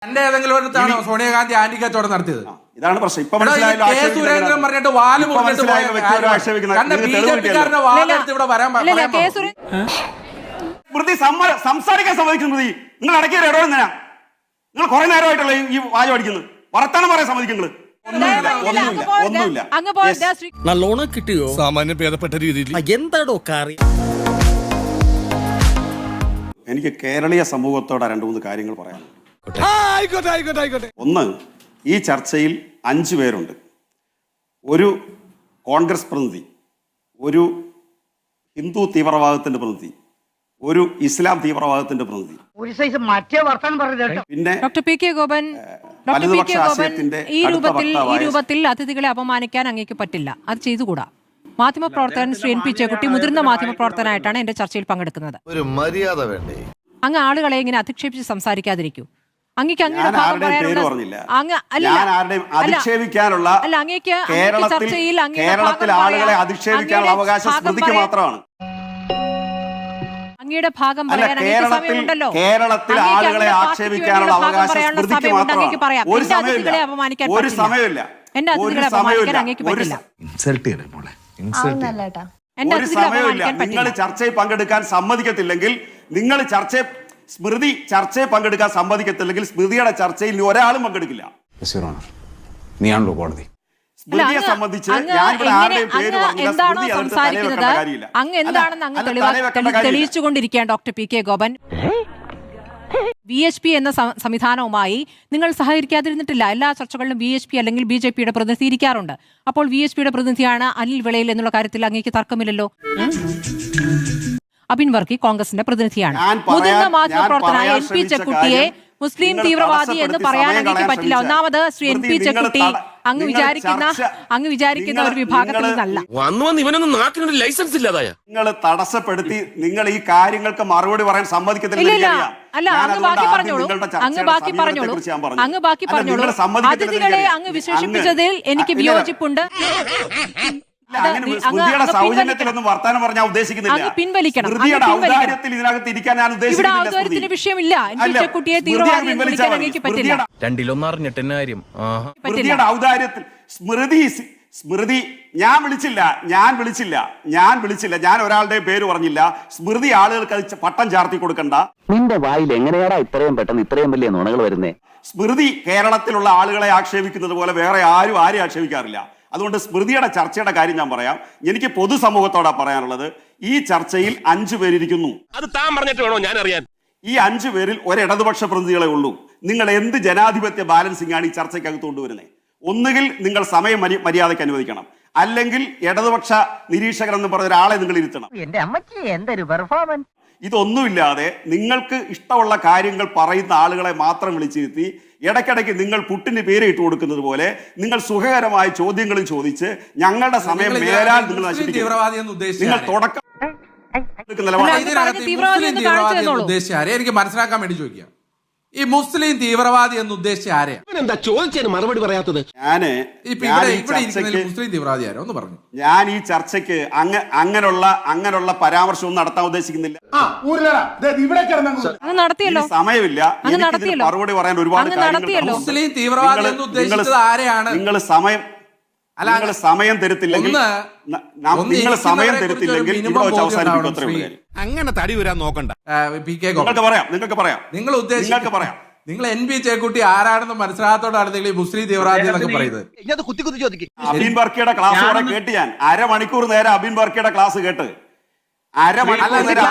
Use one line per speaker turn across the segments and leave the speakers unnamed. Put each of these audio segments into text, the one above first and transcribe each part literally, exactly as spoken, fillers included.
എന്റെ ഏതെങ്കിലും അടുത്താണോ സോണിയാഗാന്ധി ആന്റി കച്ചവടം നടത്തിയത്?
ഇതാണ് പ്രശ്നം. ഇപ്പൊ
കെ സുരേന്ദ്രൻ പറഞ്ഞിട്ട് വാല് മുറിഞ്ഞിട്ട് ബിജെപിക്കാരന്റെ വാലെടുത്ത് ഇവിടെ വരാൻ
സ്മൃതി സംസാരിക്കാൻ സമ്മതിക്കുന്നു. സ്മൃതി നിങ്ങൾ ഇടയ്ക്ക് ഇടപെടുന്ന എന്തിനാ? നിങ്ങൾ കുറെ നേരമായിട്ടുള്ള ഈ വാചം അടിക്കുന്നത്, വർത്താനം പറയാൻ സമ്മതിക്കുന്നത്.
നല്ലോണം കിട്ടിയോ? സാമാന്യം ഭേദപ്പെട്ട രീതിയിൽ എന്താടോ കാറി.
എനിക്ക് കേരളീയ സമൂഹത്തോടെ രണ്ട് മൂന്ന് കാര്യങ്ങൾ പറയാനുണ്ട്. ഒന്ന്, ഈ ചർച്ചയിൽ അഞ്ചു പേരുണ്ട്. ഒരു കോൺഗ്രസ് പ്രതിനിധി, ഒരു ഹിന്ദു തീവ്രവാദത്തിന്റെ പ്രതിനിധി, ഒരു ഇസ്ലാം തീവ്രവാദത്തിന്റെ പ്രതിനിധി, പിന്നെ
doctor P K Gopan doctor P K Gopan ഈ രൂപത്തിൽ ഈ രൂപത്തിൽ അതിഥികളെ അപമാനിക്കാൻ അങ്ങേക്ക് പറ്റില്ല, അത് ചെയ്തുകൂടാ. മാധ്യമപ്രവർത്തകൻ ശ്രീ എൻ പി ചേക്കുട്ടി മുതിർന്ന മാധ്യമപ്രവർത്തകനായിട്ടാണ് എന്റെ ചർച്ചയിൽ പങ്കെടുക്കുന്നത്.
ഒരു മര്യാദ വേണ്ടേ?
അങ്ങ് ആളുകളെ ഇങ്ങനെ അധിക്ഷേപിച്ച് സംസാരിക്കാതിരിക്കൂ. അങ്ങേക്ക് അങ്ങയുടെ ഭാഗം പറയാനുള്ള അങ്ങ് അല്ല
അധിക്ഷേപിക്കാനുള്ള
അല്ല അങ്ങേക്ക് ചർച്ചയിൽ
കേരളത്തിലെ ആളുകളെ അധിക്ഷേപിക്കാനുള്ള അവകാശം സ്മൃതിക്ക് മാത്രമാണ്.
അങ്ങയുടെ ഭാഗം പറയാൻ അങ്ങേക്ക് സമയമുണ്ടല്ലോ.
കേരളത്തിൽ ആളുകളെ ആക്ഷേപിക്കാനുള്ള അവകാശം സ്മൃതിക്ക് മാത്രമാണ്. ഒരു സമയമില്ല, ഒരു സമയമില്ല,
എന്റെ അതിഥികളെ അപമാനിക്കാൻ അങ്ങേക്ക് പറ്റില്ല.
ഒരു സമയമില്ല. നിങ്ങൾ ചർച്ചയിൽ പങ്കെടുക്കാൻ സമ്മതിക്കത്തില്ലെങ്കിൽ, നിങ്ങൾ ചർച്ച സ്മൃതി ചർച്ചയിൽ പങ്കെടുക്കാൻ സമ്മതിക്കത്തില്ലെങ്കിൽ സ്മൃതിയുടെ ചർച്ചയിൽ ഒരാളും പങ്കെടുക്കില്ല.
നീയാണല്ലോ കോടതി.
സ്മൃതിയെ സംബന്ധിച്ച് ഞാൻ ഇവിടെ ആരുടെയും പേര് പറഞ്ഞില്ല.
എന്താണോ സംസാരിക്കുന്നത് അങ്ങ് എന്താണെന്ന് അങ്ങ് തെളിയിച്ചുകൊണ്ടിരിക്കുകയാണ് doctor P K Gopan. V H P എന്ന സംവിധാനവുമായി നിങ്ങൾ സഹകരിക്കാതിരുന്നിട്ടില്ല. എല്ലാ ചർച്ചകളിലും വി എച്ച് പി അല്ലെങ്കിൽ ബി ജെ പിയുടെ പ്രതിനിധി ഇരിക്കാറുണ്ട്. അപ്പോൾ വി എച്ച് പിയുടെ പ്രതിനിധിയാണ് അനിൽ വിളയിൽ എന്നുള്ള കാര്യത്തിൽ അങ്ങേക്ക് തർക്കമില്ലല്ലോ. അബിൻ വർക്കി കോൺഗ്രസിന്റെ പ്രതിനിധിയാണ്. മുതിർന്ന മാധ്യമപ്രവർത്തനായ എൻ പി ചെക്കുട്ടിയെ മുസ്ലിം തീവ്രവാദി എന്ന് പറയാൻ അങ്ങേക്ക് പറ്റില്ല. ഒന്നാമത് ശ്രീ എൻ പി ചെക്കുട്ടി അങ്ങ് വിചാരിക്കുന്ന അങ്ങ് വിചാരിക്കുന്ന ഒരു വിഭാഗത്തിൽ നിന്നല്ല.
നിങ്ങൾ തടസ്സപ്പെടുത്തി നിങ്ങൾ ഈ കാര്യങ്ങൾക്ക് മറുപടി പറയാൻ സമ്മതിക്കത്തില്ല.
അല്ല, അങ്ങ് ബാക്കി പറഞ്ഞോളൂ, അങ്ങ് ബാക്കി പറഞ്ഞോളൂ, അങ്ങ് ബാക്കി പറഞ്ഞോളൂ. അതിഥികളെ അങ്ങ് വിശേഷിപ്പിച്ചതിൽ എനിക്ക് വിയോജിപ്പുണ്ട്.
സൗജന്യത്തിലൊന്നും വർത്താനം പറഞ്ഞാൽ ഉദ്ദേശിക്കുന്നില്ല.
പിൻവലിക്കണം. ഇവിടെ ഔദ്യോഗികത്തിന് വിഷയമില്ല. കുട്ടിയെ തീവ്രവാദി വിളിക്കാൻ അങ്ങേക്ക് പറ്റില്ല.
ഔദാര്യത്തിൽ സ്മൃതി സ്മൃതി ഞാൻ വിളിച്ചില്ല ഞാൻ വിളിച്ചില്ല ഞാൻ വിളിച്ചില്ല ഞാൻ ഒരാളുടെ പേര് പറഞ്ഞില്ല. സ്മൃതി ആളുകൾക്ക് പട്ടം ചാർത്തി കൊടുക്കണ്ട.
നിന്റെ വായിൽ എങ്ങനെയാടാ ഇത്രയും പെട്ടെന്ന് ഇത്രയും വലിയ നുണകൾ വരുന്നേ?
സ്മൃതി കേരളത്തിലുള്ള ആളുകളെ ആക്ഷേപിക്കുന്നത് പോലെ വേറെ ആരും ആരും ആക്ഷേപിക്കാറില്ല. അതുകൊണ്ട് സ്മൃതിയുടെ ചർച്ചയുടെ കാര്യം ഞാൻ പറയാം. എനിക്ക് പൊതുസമൂഹത്തോടാ പറയാനുള്ളത്. ഈ ചർച്ചയിൽ അഞ്ചു പേരിരിക്കുന്നു.
അത് താൻ പറഞ്ഞിട്ട് വേണോ ഞാൻ അറിയാൻ?
ഈ അഞ്ചു പേരിൽ ഒരു ഇടതുപക്ഷ പ്രതിനിധികളെ ഉള്ളൂ. നിങ്ങൾ എന്ത് ജനാധിപത്യ ബാലൻസിംഗ് ആണ് ഈ ചർച്ചയ്ക്കകത്ത് കൊണ്ടുവരുന്നത്? ഒന്നുകിൽ നിങ്ങൾ സമയം മര്യാദയ്ക്ക് അനുവദിക്കണം, അല്ലെങ്കിൽ ഇടതുപക്ഷ നിരീക്ഷകർ എന്ന് പറഞ്ഞ ഒരാളെ നിങ്ങൾ ഇരുത്തണം. ഇതൊന്നുമില്ലാതെ നിങ്ങൾക്ക് ഇഷ്ടമുള്ള കാര്യങ്ങൾ പറയുന്ന ആളുകളെ മാത്രം വിളിച്ചിരുത്തി ഇടയ്ക്കിടയ്ക്ക് നിങ്ങൾ പുട്ടിന് പേര് ഇട്ട് കൊടുക്കുന്നത് പോലെ നിങ്ങൾ സുഖകരമായ ചോദ്യങ്ങളും ചോദിച്ച് ഞങ്ങളുടെ സമയം മേലാൽ നിങ്ങൾ നശിപ്പിക്കും. നിങ്ങൾ തുടക്കം
എനിക്ക് മനസ്സിലാക്കാൻ വേണ്ടി ചോദിക്കാം, ഈ മുസ്ലിം തീവ്രവാദി എന്ന് ഉദ്ദേശിച്ച ആരെയാ?
എന്താ ചോദിച്ചതിന് മറുപടി പറയാത്തത്?
ഞാന്
മുസ്ലിം തീവ്രവാദി ആരോ ഒന്ന് പറഞ്ഞു.
ഞാൻ ഈ ചർച്ചയ്ക്ക് അങ്ങ അങ്ങനെയുള്ള അങ്ങനെയുള്ള പരാമർശവും നടത്താൻ ഉദ്ദേശിക്കുന്നില്ല. സമയമില്ല. മറുപടി പറയാൻ ഒരുപാട് കാര്യങ്ങൾ.
മുസ്ലിം തീവ്രവാദി എന്ന് ഉദ്ദേശിച്ചത് ആരെയാണ്?
നിങ്ങൾ സമയം നിങ്ങൾ സമയം തരുത്തില്ലെങ്കിൽ നിങ്ങൾ സമയം തരുത്തില്ലെങ്കിൽ
അങ്ങനെ തടി വരാൻ നോക്കണ്ട.
നിങ്ങൾക്ക് പറയാം നിങ്ങൾക്ക് പറയാം
നിങ്ങൾ നിങ്ങൾക്ക് പറയാം നിങ്ങൾ എൻ പി ചേക്കുട്ടി ആരാണെന്ന് മനസ്സിലാകത്തോടാണ് നിങ്ങൾ ഈ മുസ്ലിം തീവ്രവാദി എന്നൊക്കെ പറയുന്നത്.
അബിൻ വർക്കിയുടെ ക്ലാസ് അവിടെ കേട്ട് ഞാൻ അരമണിക്കൂർ നേരം അബിൻ വർക്കിയുടെ ക്ലാസ് കേട്ട് അരമണിക്കൂർ നേരം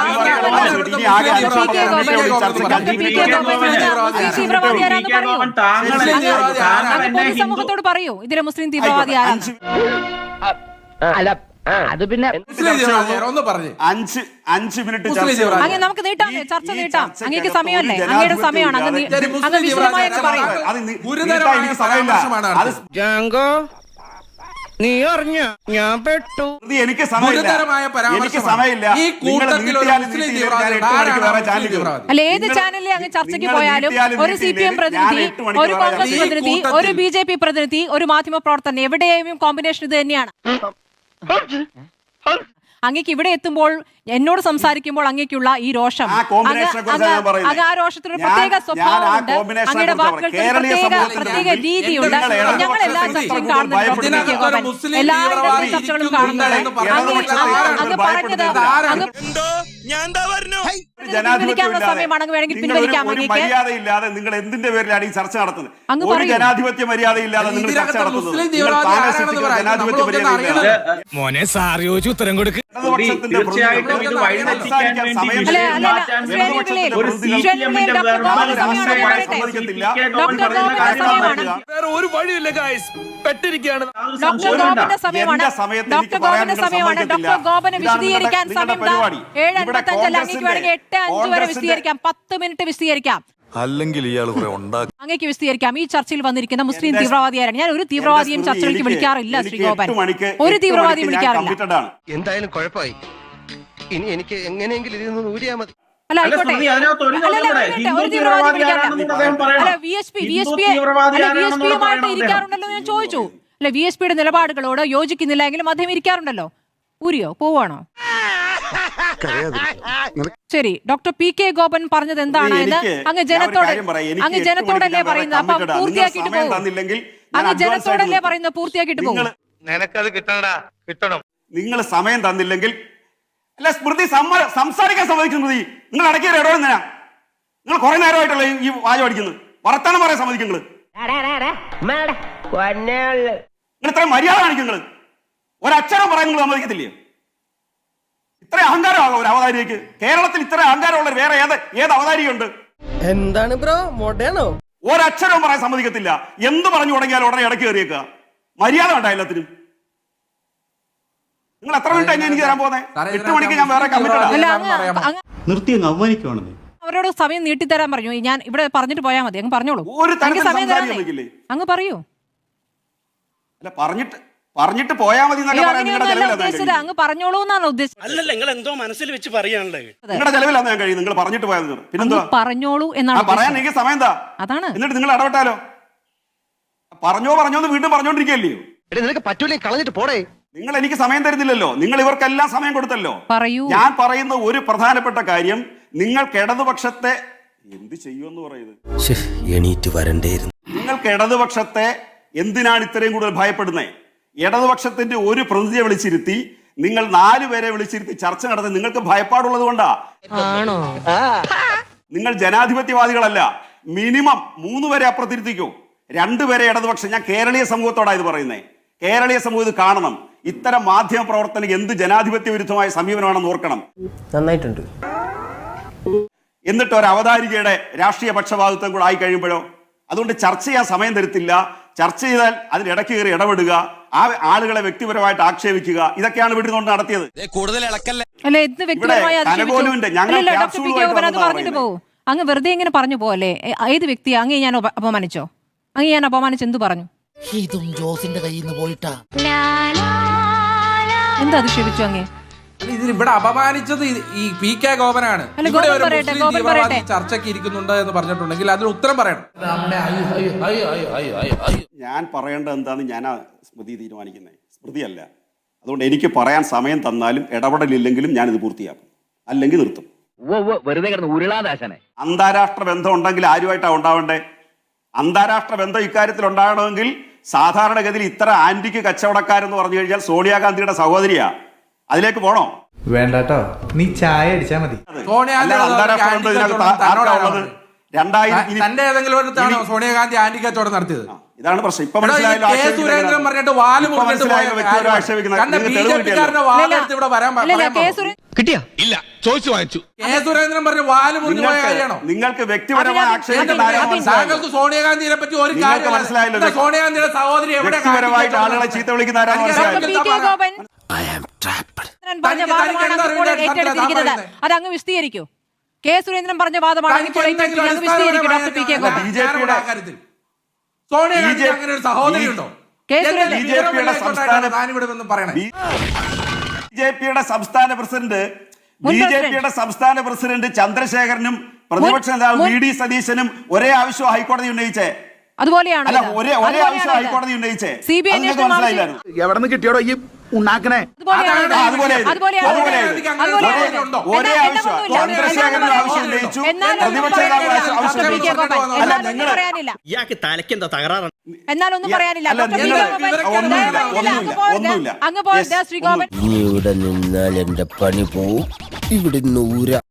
സമൂഹത്തോട് പറയൂ ഇതിലെ മുസ്ലിം തീവ്രവാദി ആരാണ്?
അത് പിന്നെ
ഒന്ന് പറഞ്ഞു
അഞ്ച് അഞ്ച് മിനിറ്റ്
അങ്ങ് നമുക്ക് നീട്ടാം, ചർച്ച നീട്ടാം. അങ്ങേക്ക് സമയമല്ലേ? അങ്ങയുടെ സമയമാണ്. അങ്ങ് വിശദമായൊക്കെ പറയും.
നീ അറിഞ്ഞ ഞാൻ പെട്ടു.
എനിക്ക് സമയമില്ല.
അല്ല, ഏത് ചാനലിൽ അങ്ങ് ചർച്ചയ്ക്ക് പോയാലും ഒരു സി പി എം പ്രതിനിധി, ഒരു കോൺഗ്രസ് പ്രതിനിധി, ഒരു ബി ജെ പി പ്രതിനിധി, ഒരു മാധ്യമ പ്രവർത്തകൻ, എവിടെയും കോമ്പിനേഷൻ ഇത് തന്നെയാണ്. അങ്ങേക്ക് ഇവിടെ എത്തുമ്പോൾ എന്നോട് സംസാരിക്കുമ്പോൾ അങ്ങേക്കുള്ള ഈ രോഷം
ആ കോമ്പിനേഷനെ കുറിച്ചാണ് ഞാൻ പറയുന്നത്.
അങ്ങ് ആ രോഷത്തിന്
ഞാൻ-
പ്രത്യേക
ഞാൻ ആ
സ്വഭാവമുണ്ട്,
കോമ്പിനേഷനെ
അങ്ങയുടെ
കുറിച്ചാണ്
വാക്കുകൾക്ക്
കേരളീയ
പ്രത്യേക
സമൂഹത്തിൽ
പ്രത്യേക
നിങ്ങൾ
രീതിയുണ്ട്.
ഇടതുപക്ഷ
ഞങ്ങൾ എല്ലാ
ശക്തികൾ
ചർച്ചയും
കൂടുതൽ
കാണുന്നുണ്ട് ഡോക്ടർ പി കെ
ഭയപ്പെടുന്നത്
ഗോപൻ,
മുസ്ലിം
എല്ലാ
തീവ്രവാദി
ഇടതുപക്ഷ ചർച്ചകളും
ഇരിക്കുന്നുണ്ട്
കാണുന്നുണ്ട്.
എന്ന്
അങ്ങ്
ഇടതുപക്ഷ
അങ്ങ്
ശക്തികൾ
അങ്ങ് പറഞ്ഞത്
ഭയപ്പെടുന്നത്
അങ്ങ്
എന്തോ ഞാൻ എന്താ പറഞ്ഞു
പിൻവലിക്കാനുള്ള സമയമാണ്, അങ്ങ് വേണമെങ്കിൽ പിൻവലിക്കാം.
ഒരു
അങ്ങേക്ക്
മര്യാദയില്ലാതെ നിങ്ങൾ എന്തിന്റെ പേരിലാണ് ഈ ചർച്ച നടത്തുന്നത്?
അങ്ങ്
ഒരു
പറയൂ.
ജനാധിപത്യ മര്യാദയില്ലാതെ നിങ്ങൾ ചർച്ച
ഇതിനകത്ത്
നടത്തുന്നത്.
മുസ്ലിം
നിങ്ങൾ
തീവ്രവാദി
പാലസ്തീനികൾ
ആരാണെന്ന് പറയാം.
ജനാധിപത്യ
നമ്മളൊക്കെ
മര്യാദയില്ലാതെ
അറിയണം.
മോനെ സാറി ചോദിച്ചു ഉത്തരം കൊടുക്ക്.
ഇടതുപക്ഷത്തിന്റെ
തീർച്ചയായിട്ടും ഇത്
പ്രതിനിധികൾ
വഴിതെറ്റിക്കാൻ
സംസാരിക്കാൻ
വേണ്ടി
സമയം
അല്ല,
തരുന്നില്ല.
അല്ല, അല്ല,
ഇടതുപക്ഷത്തിന്റെ
ഒരു
പ്രതിനിധികൾ
സി പി എമ്മിന്റെ
നമ്മൾ
ഗോപൻ
രാഷ്ട്രീയമായി
സമയമാണ്
സമ്മതിക്കത്തില്ല.
ഡോക്ടർ ഗോപന്റെ സമയമാണ്.
വേറെ ഒരു വഴിയില്ല ഗായ്സ്, പെട്ടിരിക്കുകയാണ്.
ഡോക്ടർ ഗോപന്റെ സമയമാണ്.
എന്റെ സമയത്ത്
ഡോക്ടർ
എനിക്ക് പറയാൻ
ഗോപന്റെ
നിങ്ങൾ
സമയമാണ്.
സമ്മതിക്കത്തില്ല.
ഡോക്ടർ ഗോപന്
ഇതാണ്
വിശദീകരിക്കാൻ
നിങ്ങളുടെ
സമയം
പരിപാടി.
ഏഴ്
ഇവിടെ
അൻപത്തഞ്ചല്ല, അങ്ങേക്ക് വേണമെങ്കിൽ എട്ട് അഞ്ച് വരെ
കോൺഗ്രസിന്റെ-
വിശദീകരിക്കാം, പത്ത് മിനിറ്റ് വിശദീകരിക്കാം.
അല്ലെങ്കിൽ ഇയാൾ കുറെ ഉണ്ടാക്കി
അങ്ങേക്ക് വിശദീകരിക്കാം. ഈ ചർച്ചയിൽ വന്നിരിക്കുന്ന മുസ്ലിം
എന്റെ-
തീവ്രവാദിയാരാണ്? ഞാൻ ഒരു തീവ്രവാദിയും
എന്റെ
ചർച്ചയിലേക്ക്
എനിക്ക്
വിളിക്കാറില്ല ശ്രീ
എനിക്ക്
ഗോപൻ,
എട്ട് മണിക്ക്
ഒരു
എട്ട്
തീവ്രവാദിയും
മണിക്ക് ഞാൻ
വിളിക്കാറില്ല.
committed ആണ്.
എന്തായാലും കുഴപ്പമായി. ഇനി എനിക്ക് എങ്ങനെയെങ്കിലും ഇതിൽ നിന്ന് ഊരിയാ മതി.
അല്ല,
അല്ല,
ആയിക്കോട്ടെ.
സ്മൃതി, അതിനകത്ത് ഒരു
അല്ല, അല്ല,
കാര്യം
ഒരു
കൂടെ.
മിനിറ്റ്,
ഹിന്ദു
ഒരു തീവ്രവാദി
തീവ്രവാദി
വിളിക്കാറില്ല.
ആരാണെന്ന് അദ്ദേഹം പറയണം.
അല്ല, V S P V S
Hindu
P
തീവ്രവാദി
അല്ല, വി എസ്
ആരാണെന്ന്
പിയുമായിട്ട്
പറയണം
ഇരിക്കാറുണ്ടല്ലോ ഞാൻ ചോദിച്ചു. അല്ല, വി എസ് പിയുടെ നിലപാടുകളോട് യോജിക്കുന്നില്ല എങ്കിലും അദ്ദേഹം ഇരിക്കാറുണ്ടല്ലോ. ഊരിയോ പോവാണോ? ശരി, ഡോക്ടർ പി കെ ഗോപൻ പറഞ്ഞത് എന്താണ് എന്ന്
എനിക്ക്
അങ്ങ്
ഞാൻ ഒരു
ജനത്തോട്
കാര്യം പറയാം. എനിക്ക്
അങ്ങ്
എട്ട്
ജനത്തോടല്ലേ
മണിക്ക് ഞാൻ
പറയുന്നത്? അപ്പൊ
committed ആണ്.
പൂർത്തിയാക്കിയിട്ട്
നിങ്ങൾ സമയം
പോകും.
തന്നില്ലെങ്കിൽ ഞാൻ
അങ്ങ്
advance ആയിട്ട്
ജനത്തോടല്ലേ
നിർത്തും.
പറയുന്നത്? പൂർത്തിയാക്കിയിട്ട് പോകും.
നിങ്ങൾ-
നിനക്കത് കിട്ടണടാ, കിട്ടണം.
നിങ്ങൾ സമയം തന്നില്ലെങ്കിൽ അല്ല സ്മൃതി സമ്മ- സംസാരിക്കാൻ സമ്മതിക്കും. സ്മൃതി നിങ്ങൾ ഇടയ്ക്ക് ഇടപെടുന്ന നിങ്ങൾ കുറെ നേരമായിട്ടല്ലേ ഈ വാചം അടിക്കുന്നത്. വർത്തമാനം പറയാൻ സമ്മതിക്കും. നിങ്ങൾ നിങ്ങൾ ഇത്രയും മര്യാദ കാണിക്കും. നിങ്ങൾ ഒരക്ഷരം പറയാൻ നിങ്ങൾ സമ്മതിക്കത്തില്ലേ? ഇത്ര അഹങ്കാരമാണോ ഒരു അവതാരികയ്ക്ക്? കേരളത്തിൽ ഇത്ര അഹങ്കാരമുള്ള വേറെ ഏത് ഏത് അവതാരികയുണ്ട്?
എന്താണ് ബ്രോ മോഡേണോ?
ഒരക്ഷരവും പറയാൻ സമ്മതിക്കത്തില്ല. എന്ത് പറഞ്ഞു തുടങ്ങിയാലും ഉടനെ ഇടയ്ക്ക് കയറിയേക്കുക. മര്യാദ വേണ്ട എല്ലാത്തിനും. നിങ്ങൾ എത്ര മിനിറ്റ് തന്നെ എനിക്ക് തരാൻ പോകുന്നത്? എട്ട് മണിക്ക് ഞാൻ വേറെ കമ്മിറ്റഡ്
അല്ല,
ആണ്.
അങ്ങ് അങ്ങ്
നിർത്തി അങ്ങ് അവമാനിക്കുവാണെന്നേ.
അവരോട് സമയം നീട്ടിത്തരാൻ പറഞ്ഞു. ഞാൻ ഇവിടെ പറഞ്ഞിട്ട് പോയാൽ മതി. അങ്ങ് പറഞ്ഞോളൂ.
ഒരു
അങ്ങ്
തരത്തിൽ
സമയം
സംസാരിക്കാൻ
തരാനേ.
നിൽക്കില്ലേ?
അങ്ങ് പറയൂ.
അല്ല പറഞ്ഞിട്ട് പറഞ്ഞിട്ട് പോയാൽ മതി എന്നൊക്കെ
അയ്യോ,
പറയാൻ നിങ്ങളുടെ
അങ്ങനെയൊന്നും അല്ല
ചെലവിലാണ് ഞാൻ
ഉദ്ദേശിച്ചത്. അങ്ങ് പറഞ്ഞോളൂ എന്നാണ് ഉദ്ദേശിച്ചത്.
അല്ലല്ല, നിങ്ങൾ എന്തോ മനസ്സിൽ വെച്ച് പറയാനുള്ളത്.
നിങ്ങളുടെ ചെലവിലാണ് ഞാൻ കഴിയും. നിങ്ങൾ പറഞ്ഞിട്ട് പോയാൽ മതി. പിന്നെന്താ
അങ്ങ് പറഞ്ഞോളൂ
ആ
എന്നാണ്
പറയാൻ
ഉദ്ദേശിച്ചത്.
എനിക്ക് സമയം എന്താ?
അതാണ്.
എന്നിട്ട് നിങ്ങൾ ഇടപെട്ടാലോ? പറഞ്ഞോ പറഞ്ഞോ എന്ന് വീണ്ടും പറഞ്ഞോണ്ടിരിക്കല്ലയോ?
നിനക്ക് പറ്റൂലേ കളഞ്ഞിട്ട് പോടേ.
നിങ്ങൾ എനിക്ക് സമയം തരുന്നില്ലല്ലോ. നിങ്ങൾ ഇവർക്കെല്ലാം സമയം കൊടുത്തല്ലോ.
പറയൂ.
ഞാൻ പറയുന്ന ഒരു പ്രധാനപ്പെട്ട കാര്യം, നിങ്ങൾക്ക് ഇടതുപക്ഷത്തെ എന്ത് ചെയ്യുമെന്ന് പറയുന്നത്?
എണീറ്റ് വരണ്ടേയിരുന്നു.
നിങ്ങൾക്ക് ഇടതുപക്ഷത്തെ എന്തിനാണ് ഇത്രയും കൂടുതൽ ഭയപ്പെടുന്നത്? ഇടതുപക്ഷത്തിന്റെ ഒരു പ്രതിനിധിയെ വിളിച്ചിരുത്തി നിങ്ങൾ നാലുപേരെ വിളിച്ചിരുത്തി ചർച്ച നടത്തി നിങ്ങൾക്ക് ഭയപ്പാടുള്ളത് കൊണ്ടാ. നിങ്ങൾ ജനാധിപത്യവാദികളല്ല. മിനിമം മൂന്ന് പേരെ അപ്പുറത്തിരുത്തിക്കോ, രണ്ടുപേരെ ഇടതുപക്ഷം. ഞാൻ കേരളീയ സമൂഹത്തോടാണ് ഇത് പറയുന്നത്. കേരളീയ സമൂഹം ഇത് കാണണം. ഇത്തരം മാധ്യമ പ്രവർത്തനം എന്ത് ജനാധിപത്യ വിരുദ്ധമായ സമീപനമാണെന്ന് ഓർക്കണം.
നന്നായിട്ടുണ്ട്.
എന്നിട്ട് ഒരു അവതാരികയുടെ രാഷ്ട്രീയ പക്ഷപാതിത്വം കൂടെ ആയി കഴിയുമ്പോഴോ? അതുകൊണ്ട് ചർച്ച ചെയ്യാൻ സമയം തരത്തില്ല. ചർച്ച ചെയ്താൽ അതിനിടയ്ക്ക് കയറി ഇടപെടുക, ആ ആളുകളെ വ്യക്തിപരമായിട്ട് ആക്ഷേപിക്കുക, ഇതൊക്കെയാണ് ഇവിടെ കൊണ്ട് നടത്തിയത്.
കൂടുതൽ ഇളക്കല്ലേ.
അല്ല, എന്ത് വ്യക്തിപരമായി
ഇവിടെ കനകോലുവിന്റെ ഞങ്ങൾ
ഡോക്ടർ പി കെ
ക്യാപ്സ്യൂളുമായിട്ട്
ഗോപൻ അത്
വന്നതാ
പറഞ്ഞിട്ട്
പറയുന്നത്.
പോകും. അങ്ങ് വെറുതെ ഇങ്ങനെ പറഞ്ഞു പോകല്ലേ. ഏത് വ്യക്തിയെ അങ്ങേ ഞാൻ ഉപ- അപമാനിച്ചോ? അങ്ങ് ഞാൻ അപമാനിച്ച് എന്ത് പറഞ്ഞു?
ഇതും ജോസിന്റെ കയ്യിൽ നിന്ന് പോയിട്ടാ.
എന്ത് അധിക്ഷേപിച്ചു അങ്ങേ?
ഇതിൽ ഇവിടെ അപമാനിച്ചത് ഈ- ഈ പി കെ ഗോപനാണ്.
അല്ല,
ഇവിടെ
ഗോപൻ
ഒരു
പറയട്ടെ,
മുസ്ലിം
ഗോപൻ
തീവ്രവാദി
പറയട്ടെ.
ചർച്ചയ്ക്ക് ഇരിക്കുന്നുണ്ട് എന്ന് പറഞ്ഞിട്ടുണ്ടെങ്കിൽ അതിന് ഉത്തരം പറയണം.
ഞാൻ പറയേണ്ടത് എന്താന്ന് ഞാനാ സ്മൃതി തീരുമാനിക്കുന്നത്, സ്മൃതിയല്ല. അതുകൊണ്ട് എനിക്ക് പറയാൻ സമയം തന്നാലും ഇടപെടലില്ലെങ്കിലും ഞാനിത് പൂർത്തിയാക്കും, അല്ലെങ്കിൽ നിർത്തും.
വെറുതെ കിടന്ന് ഉരുളാദാശനെ.
അന്താരാഷ്ട്ര ബന്ധം ഉണ്ടെങ്കിൽ ആരുമായിട്ടാണ് ഉണ്ടാവേണ്ടേ? അന്താരാഷ്ട്ര ബന്ധം ഇക്കാര്യത്തിൽ ഉണ്ടാകണമെങ്കിൽ സാധാരണഗതിയിൽ ഇത്ര ആന്റിക്ക് കച്ചവടക്കാരെന്ന് പറഞ്ഞു കഴിഞ്ഞാൽ സോണിയാഗാന്ധിയുടെ സഹോദരിയാ. അതിലേക്ക് പോണോ?
വേണ്ടാട്ടോ, നീ ചായ അടിച്ചാ മതി.
സോണിയാഗാന്ധി
അല്ലാതെ അന്താരാഷ്ട്ര ബന്ധം ഇതിനകത്ത് ആർക്കാ ഉള്ളത്? രണ്ടായിരം ഇനി-
തന്റെ ഏതെങ്കിലും അടുത്താണോ
ഇനി-
സോണിയാഗാന്ധി ആന്റി കച്ചവടം നടത്തിയത്?
ഇതാണ് പ്രശ്നം. ഇപ്പൊ
എടാ, ഈ
മനസ്സിലായല്ലോ
കെ. സുരേന്ദ്രൻ പറഞ്ഞിട്ട് വാല് മുറിഞ്ഞിട്ട് പോയ
ആക്ഷേപിക്കുന്നത്.
കണ്ട ബി ജെ പിക്കാരന്റെ വാലെടുത്ത് ഇവിടെ വരാൻ
അല്ലല്ല,
പറയാൻ
കെ.
പാടില്ല.
സുരേ-
കിട്ടിയാ? ഇല്ല, ചോദിച്ചു വാങ്ങിച്ചു.
കെ. സുരേന്ദ്രൻ പറഞ്ഞ വാല് മുറിഞ്ഞു പോയ കാര്യമാണോ?
നിങ്ങൾക്ക് നിങ്ങൾക്ക് വ്യക്തിപരമായി
അഭിനന്ദ-
ആക്ഷേപിക്കുന്ന ആരെയും
അഭിനന്ദ-
മനസ്സിലായല്ലോ.
താങ്കൾക്ക് സോണിയാഗാന്ധിയെ പറ്റി ഒരു
നിങ്ങൾക്ക്
കാര്യം
മനസ്സിലായല്ലോ.
എന്താ സോണിയാഗാന്ധിയുടെ സഹോദരി എവിടെ
വ്യക്തിപരമായിട്ട് ആളുകളെ ചീത്ത വിളിക്കുന്ന ആരാണെന്ന്
ഡോക്ടർ
മനസ്സിലായല്ലോ.
പി കെ ഗോപൻ പറഞ്ഞ
തനിക്ക്
വാദമാണ്
എന്താ
അങ്ങ് ഇപ്പോൾ
അറിവില്ല?
ഏറ്റെടുത്തിരിക്കുന്നത്. അത് അങ്ങ് വിശദീകരിക്കൂ. കെ. സുരേന്ദ്രൻ പറഞ്ഞ വാദമാണ് അങ്ങ് ഇപ്പോൾ ഏറ്റെടുത്തിരിക്കുന്നത്. അങ്ങ് വിശദീകരിക്കൂ doctor P K Gopan.
B J പിയുടെ
സോണിയാഗാന്ധി അങ്ങനെ ഒരു സഹോദരി ഉണ്ടോ?
കെ. സുരേന്ദ്രൻ
ബി ജെ പിയുടെ സംസ്ഥാന
താനിവിടെ നിന്ന് പറയണേ.
ബി ജെ പിയുടെ സംസ്ഥാന പ്രസിഡന്റ്
മുൻ
ബി ജെ
പ്രസിഡന്റ്.
പിയുടെ സംസ്ഥാന പ്രസിഡന്റ് ചന്ദ്രശേഖരനും പ്രതിപക്ഷ നേതാവ്
മുൻ-
വി ഡി സതീശനും ഒരേ ആവശ്യം ഹൈക്കോടതി ഉന്നയിച്ചേ.
അതുപോലെയാണോ
അല്ല
ഇത്?
ഒരേ ഒരേ
അതുപോലെയാണോ
ആവശ്യം
ഇത്?
ഹൈക്കോടതി ഉന്നയിച്ചേ
സി ബി ഐ
അത് നിങ്ങൾക്ക്
അന്വേഷണം
മനസ്സിലായില്ലായിരുന്നു.
എവിടെ നിന്ന് കിട്ടിയോടോ ഈ ഉണ്ടാക്കണേ?
അതുപോലെയാണോ ഇത്?
ആ, അതുപോലെയാ ഇത്.
അതുപോലെയാണോ ഇത്?
അതുപോലെയാ ഇത്.
അതുപോലെയാണോ ഇത്?
ഉണ്ടോ?
ഒരേ
എന്നാ-
ആവശ്യം
എന്നൊന്നുമില്ല.
ചന്ദ്രശേഖരൻ
എന്നാലും
ആവശ്യം ഉന്നയിച്ചു,
എന്നാലും ഒന്നും
പ്രതിപക്ഷ നേതാവ്
പറയാനില്ല.
ആവശ്യം
ഡോക്ടർ പി കെ
ഉന്നയിച്ചു.
ഗോപൻ,
അല്ല
എന്നാലും ഒന്നും
നിങ്ങൾ
പറയാനില്ല.
ഇയാൾക്ക് തലയ്ക്ക് എന്താ തകരാറാണ്?
എന്നാലൊന്നും പറയാനില്ല.
അല്ല,
ഡോക്ടർ പി
നിങ്ങൾ-
കെ ഗോപൻ,
ഒന്നുമില്ല,
ദയവായി അങ്ങ്
ഒന്നുമില്ല,
പോകരുത്.
ഒന്നുമില്ല.
അങ്ങ് പോകരുത്
Yes,
ശ്രീ ഗോപൻ.
ഇനി ഇവിടെ നിന്നാൽ എന്റെ പണി പോവും. ഇവിടെ നൂര